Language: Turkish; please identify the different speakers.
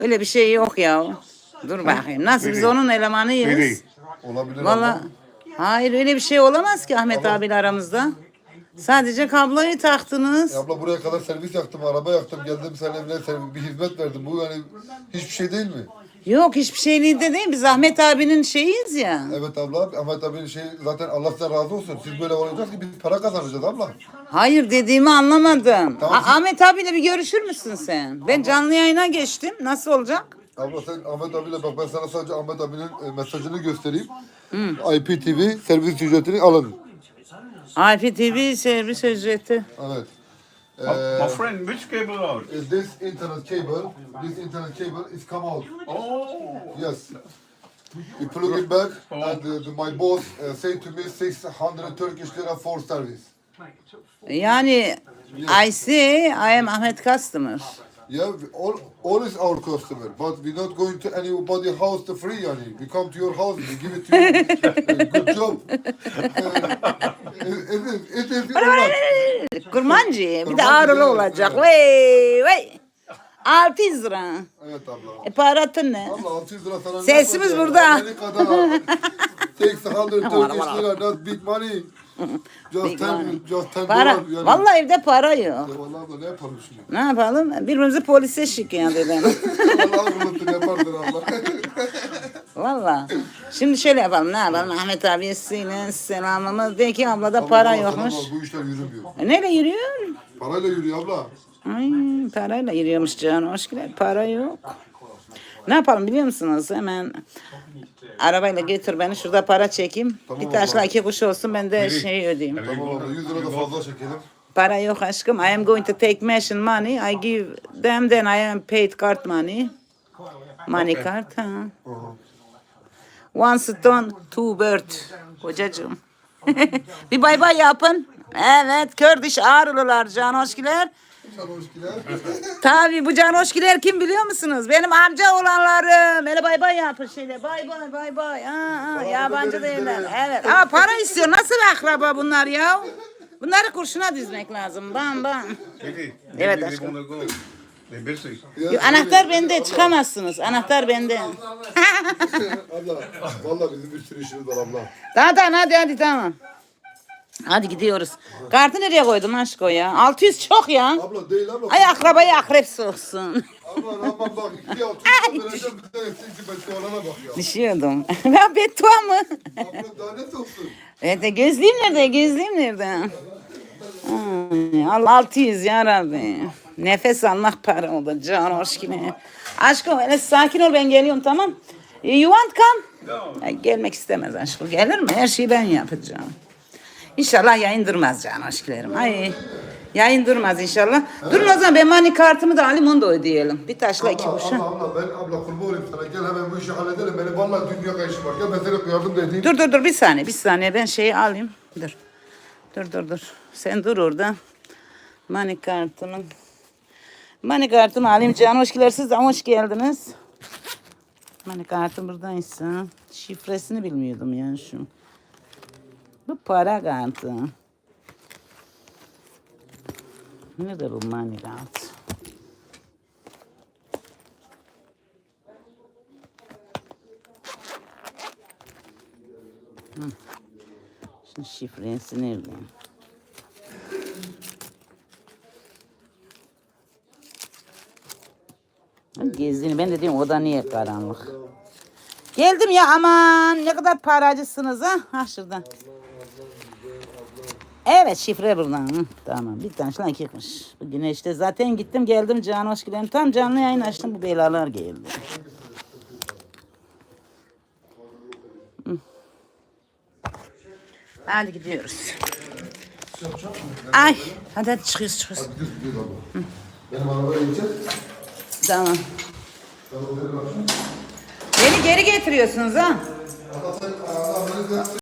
Speaker 1: Öyle bir şey yok ya. Dur bakayım. Nasıl biz onun elemanıyız?
Speaker 2: Olabilir
Speaker 1: Vallahi
Speaker 2: abla.
Speaker 1: hayır öyle bir şey olamaz ki Ahmet abiyle aramızda. Sadece kabloyu taktınız.
Speaker 2: Abla buraya kadar servis yaktım, araba yaktım, geldim senin evine bir hizmet verdim. Bu yani hiçbir şey değil mi?
Speaker 1: Yok hiçbir şeyliği de değil. Biz Ahmet abinin şeyiyiz ya.
Speaker 2: Evet abla, Ahmet abinin şey zaten Allah size razı olsun. Siz böyle olacağız ki biz para kazanacağız abla.
Speaker 1: Hayır dediğimi anlamadın.
Speaker 2: Tamam.
Speaker 1: Ahmet abiyle bir görüşür müsün sen? Ben canlı yayına geçtim. Nasıl olacak?
Speaker 2: Abla sen Ahmet abiyle bak, ben sana sadece Ahmet abinin mesajını göstereyim. IPTV servis ücretini alın.
Speaker 1: IPTV servis ücreti.
Speaker 2: Evet.
Speaker 3: My friend, which cable out?
Speaker 2: This internet cable is come out.
Speaker 3: Oh,
Speaker 2: Yes. We plug it back and my boss said to me 600 Turkish lira for service.
Speaker 1: Yani I see I am Ahmet customer.
Speaker 2: Yeah, all is our customer, but we're not going to anybody house to free yani. We come to your house, we give it to you. Good job. It is your
Speaker 1: Kurmancı bir de ağrılı olacak. Vay vay. 600 lira.
Speaker 2: Evet abla.
Speaker 1: Paratın ne?
Speaker 2: Abla 600 lira sana ne
Speaker 1: Sesimiz
Speaker 2: yapacağız?
Speaker 1: burada.
Speaker 2: Amerika'da 600 Turkish lira, not big money. Just 10
Speaker 1: Para.
Speaker 2: dolar yani.
Speaker 1: Vallahi evde para yok.
Speaker 2: Ya vallahi abla ne yapalım şimdi?
Speaker 1: Ne yapalım? Birbirimizi polise şikayet edelim.
Speaker 2: Vallahi vuruldu yapardın abla.
Speaker 1: Vallahi. Şimdi şöyle yapalım. Ne yapalım? Ahmet abiye selamımız de ki ablada para
Speaker 2: Abla,
Speaker 1: yokmuş.
Speaker 2: Bu işler yürümüyor.
Speaker 1: Neyle yürüyor?
Speaker 2: Parayla yürüyor abla.
Speaker 1: Ay, parayla yürüyormuş canım. Hoş geldin. Para yok. Ne yapalım biliyor musunuz? Hemen arabayla götür beni. Şurada para çekeyim.
Speaker 2: Tamam
Speaker 1: Bir taşla
Speaker 2: abla.
Speaker 1: 2 kuş olsun. Ben de şey ödeyeyim.
Speaker 2: Tamam abla 100 lira da fazla çekelim.
Speaker 1: Para yok aşkım. I am going to take machine money. I give them then I am paid card money. Money card. Ha. One stone, two bird. Kocacığım. Bir bay bay yapın. Evet, Kördiş Ağrılılar, canoşkiler.
Speaker 2: Sarhoşkiler.
Speaker 1: Tabii bu canoşkiler kim biliyor musunuz? Benim amca olanlarım. Hele bay bay yapın şöyle. Bay bay bay bay. Yabancı değiller. Evet. Ama para istiyor. Nasıl akraba bunlar ya? Bunları kurşuna dizmek lazım. Bam bam.
Speaker 3: Vicky,
Speaker 1: Evet
Speaker 3: they
Speaker 1: aşkım.
Speaker 3: wanna go. They're busy.
Speaker 1: Yo, anahtar bende çıkamazsınız. Anahtar bende.
Speaker 2: Abla vallahi bizim bir sürü işimiz var abla.
Speaker 1: Tamam hadi tamam. Hadi gidiyoruz. Kartı nereye koydun aşko ya? 600 çok ya.
Speaker 2: Abla değil abla.
Speaker 1: Ay akrabayı akrep soksun.
Speaker 2: Abla aman bak 2 altı vereceğim bir tane sinsi beddua bak ya.
Speaker 1: Düşüyordum. Ben beddua mı?
Speaker 2: Abla daha ne soksun?
Speaker 1: Evet gözlüğüm nerede? Gözlüğüm nerede? Ay, 600 ya Rabbi. Nefes almak para oldu. Can hoş gibi. Aşkım öyle sakin ol ben geliyorum tamam. You want come? Ay, gelmek istemez aşkım. Gelir mi? Her şeyi ben yapacağım. İnşallah yayın durmaz can aşklarım. Ay yayın durmaz inşallah. Durun o zaman ben mani kartımı da alayım onu da ödeyelim. Bir taşla iki kuşa.
Speaker 2: Abla ben abla kurban olayım sana. Gel hemen bu işi halledelim. Benim vallahi dünya kayışı var. Gel ben sana yardım da edeyim.
Speaker 1: Dur bir saniye ben şeyi alayım. Dur. Sen dur orada. Mani kartımı alayım. Can hoşgeler siz de hoş geldiniz. Mani kartım buradaysa. Şifresini bilmiyordum yani şu. Bu para kartı. Nedir bu mani kartı? Şimdi şifresi nerede? Gezdiğini ben de diyorum oda niye karanlık? Geldim ya aman ne kadar paracısınız ha? Ha şuradan. Evet şifre buradan. Hı, tamam bir tane şuna iki kuş. Bu güneşte zaten gittim geldim can hoş geldin. Tam canlı yayın açtım bu belalar geldi. Hı. Hadi gidiyoruz. Ay hadi çıkıyoruz.
Speaker 2: Gidiyoruz abla. Benim arabaya gideceğiz.
Speaker 1: Tamam. Beni geri getiriyorsunuz ha.
Speaker 2: Abla sen